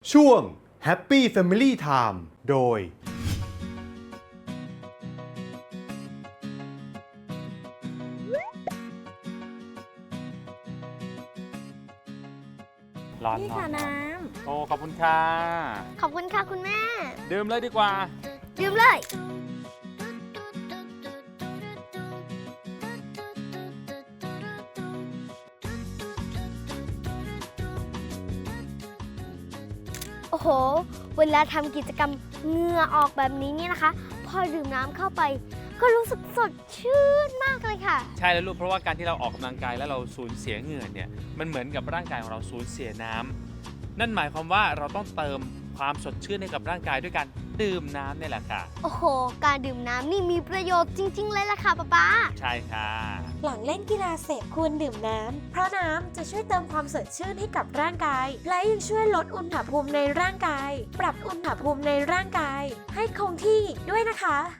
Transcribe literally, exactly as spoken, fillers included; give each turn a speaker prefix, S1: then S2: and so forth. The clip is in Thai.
S1: ช่วง Happy Family Time โดย
S2: ร้อน
S3: นี่
S2: เนาะ
S3: ค่ะน้
S2: โอ้ขอบคุณค่ะ
S3: ำ ขอบคุณค่ะคุณแม่
S2: ดื่มเลยดีกว่า
S3: ดื่มเลย โอ้โห เวลาทำกิจกรรมเหงื่อออกแบบนี้เนี่ยนะคะ พอดื่มน้ำเข้าไป ก็รู้สึกสดชื่นมากเลยค่ะ
S2: ใช่แล้วลูกเพราะว่าการที่เราออกกำลังกายแล้วเราสูญเสียเหงื่อเนี่ยมันเหมือนกับร่างกายของเราสูญเสียน้ำนั่นหมายความว่าเราต้องเติมความสดชื่นให้กับร่างกายด้วยการดื่มน้ำเนี่ยแหละค่ะ
S3: โอ้โห การดื่มน้ำนี่มีประโยชน์จริง ๆ เลยล่ะค่ะป๊าป๊า
S2: ใช่ค่ะ
S4: หลังเล่นกีฬาเสร็จควรดื่มน้ำ เพราะน้ำจะช่วยเติมความสดชื่นให้กับร่างกาย และยังช่วยลดอุณหภูมิในร่างกาย ปรับอุณหภูมิในร่างกาย ให้คงที่ด้วยนะคะ